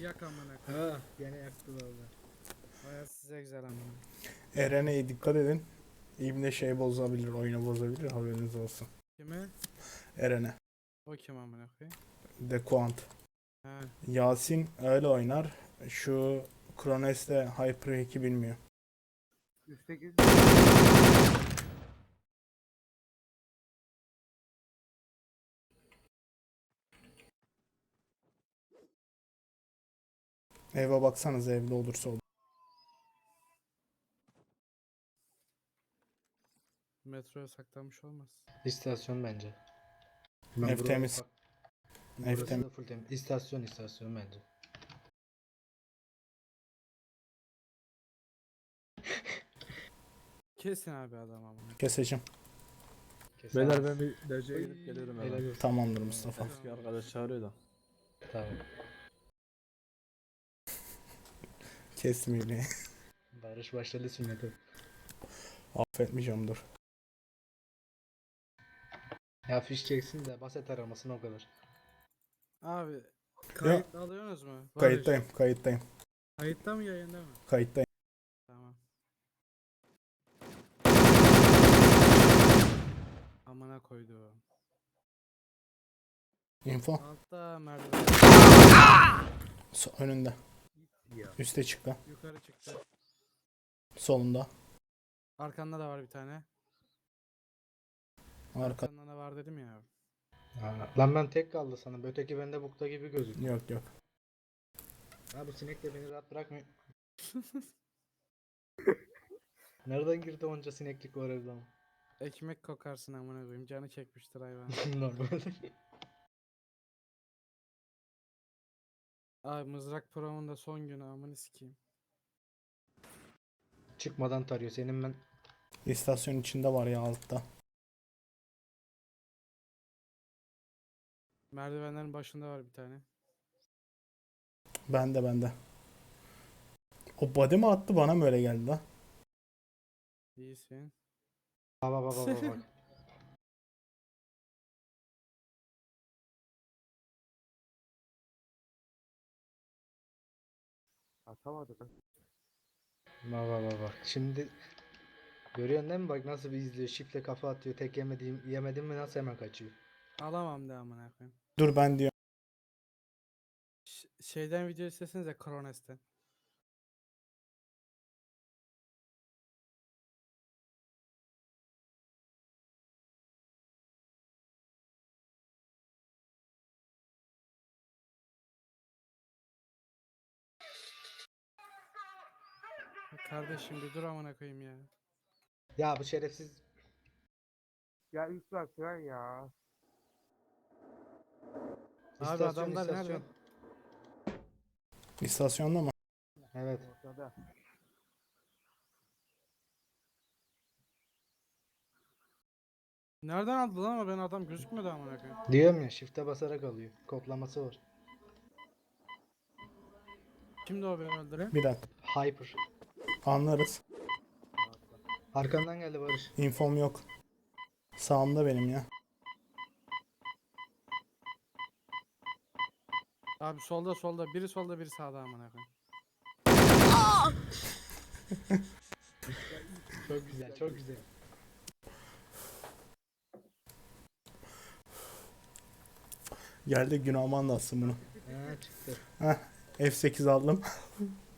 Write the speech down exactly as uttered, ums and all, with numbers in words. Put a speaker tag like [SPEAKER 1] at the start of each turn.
[SPEAKER 1] yak amına koyayım.
[SPEAKER 2] Ha, gene yaktı valla.
[SPEAKER 1] Hayat size güzel amına.
[SPEAKER 3] Eren'e dikkat edin. İbne şey bozabilir, oyunu bozabilir, haberiniz olsun.
[SPEAKER 1] Kime?
[SPEAKER 3] Eren'e.
[SPEAKER 1] O kim amına koyayım?
[SPEAKER 3] De Quant.
[SPEAKER 1] Ha.
[SPEAKER 3] Yasin öyle oynar. Şu Krones'te Hyper iki bilmiyor.
[SPEAKER 1] Üstteki
[SPEAKER 3] Eve baksanız evde olursa olur.
[SPEAKER 1] metroya saklanmış olmaz.
[SPEAKER 2] İstasyon bence.
[SPEAKER 3] Ev
[SPEAKER 2] buraları
[SPEAKER 3] temiz.
[SPEAKER 2] bak-
[SPEAKER 3] Ev
[SPEAKER 2] Burası
[SPEAKER 3] temiz.
[SPEAKER 2] da full temiz. İstasyon istasyon bence.
[SPEAKER 1] Kesin abi adam amına.
[SPEAKER 3] Keseceğim.
[SPEAKER 2] Kesin.
[SPEAKER 4] Beyler ben bir dereceye gidip geliyorum
[SPEAKER 2] Helal
[SPEAKER 4] hemen.
[SPEAKER 2] olsun.
[SPEAKER 3] Tamamdır Mustafa.
[SPEAKER 4] Eski arkadaş çağırıyor da.
[SPEAKER 2] Tamam.
[SPEAKER 3] Kesmeyeyim.
[SPEAKER 2] Barış başladı sünnete.
[SPEAKER 3] Affetmeyeceğim dur.
[SPEAKER 2] Ya fiş çeksin de baset aramasın o kadar.
[SPEAKER 1] Abi kayıt alıyorsunuz mu? Barış,
[SPEAKER 3] Kayıttayım, kayıttayım,
[SPEAKER 1] Kayıtta mı yayında mı?
[SPEAKER 3] kayıttayım.
[SPEAKER 1] Tamam. Amına koydu.
[SPEAKER 3] Info.
[SPEAKER 1] Altta merdiven.
[SPEAKER 3] So- önünde. Üste çıktı.
[SPEAKER 1] Yukarı çıktı.
[SPEAKER 3] Solunda.
[SPEAKER 1] Arkanda da var bir tane.
[SPEAKER 3] Arka.
[SPEAKER 1] Arkanda da var dedim ya.
[SPEAKER 2] Ha, lan ben tek kaldı sanırım. Öteki bende bukta gibi gözüküyor.
[SPEAKER 3] Yok yok.
[SPEAKER 2] Ha bu sinek de beni rahat bırakmıyor. Nereden girdi onca sineklik var evde ama?
[SPEAKER 1] Ekmek kokarsın amına koyayım. Canı çekmiştir hayvan.
[SPEAKER 2] Normal.
[SPEAKER 1] Abi mızrak promun da son günü amını sikeyim.
[SPEAKER 2] Çıkmadan tarıyor. Senin ben
[SPEAKER 3] İstasyon içinde var ya altta.
[SPEAKER 1] Merdivenlerin başında var bir tane.
[SPEAKER 3] Bende bende. O body mi attı bana mı öyle geldi lan?
[SPEAKER 1] İyisin.
[SPEAKER 2] baba baba baba bak.
[SPEAKER 4] Atamadı lan.
[SPEAKER 2] Baba baba bak. Şimdi görüyorsun değil mi? Bak nasıl bir izliyor. Şifle kafa atıyor. Tek yemediğim yemedim mi nasıl hemen kaçıyor.
[SPEAKER 1] Alamam de amına koyayım.
[SPEAKER 3] Dur ben diyorum.
[SPEAKER 1] Ş- şeyden video istesenize Krones'ten. Ya kardeşim bir dur amına koyayım ya.
[SPEAKER 2] Ya bu şerefsiz
[SPEAKER 4] Ya üst var tren ya.
[SPEAKER 1] Abi
[SPEAKER 2] istasyon
[SPEAKER 1] adamlar nerede?
[SPEAKER 2] istasyon.
[SPEAKER 3] İstasyonda mı?
[SPEAKER 2] Evet.
[SPEAKER 4] Ortada.
[SPEAKER 1] Nereden aldı lan ama ben adam gözükmüyordu amına koyayım.
[SPEAKER 2] Diyorum ya shift'e basarak alıyor. Koklaması var.
[SPEAKER 1] Kimdi o beni öldüren?
[SPEAKER 3] Bir dakika.
[SPEAKER 2] Hyper.
[SPEAKER 3] Anlarız.
[SPEAKER 2] Arkandan geldi Barış.
[SPEAKER 3] Infom yok. Sağımda benim ya.
[SPEAKER 1] Abi solda solda biri solda biri sağda amına koyayım.
[SPEAKER 2] Çok güzel, çok güzel.
[SPEAKER 3] Geldi Günahman da atsın bunu.
[SPEAKER 2] Ha çıktı.
[SPEAKER 3] Heh. F sekiz aldım.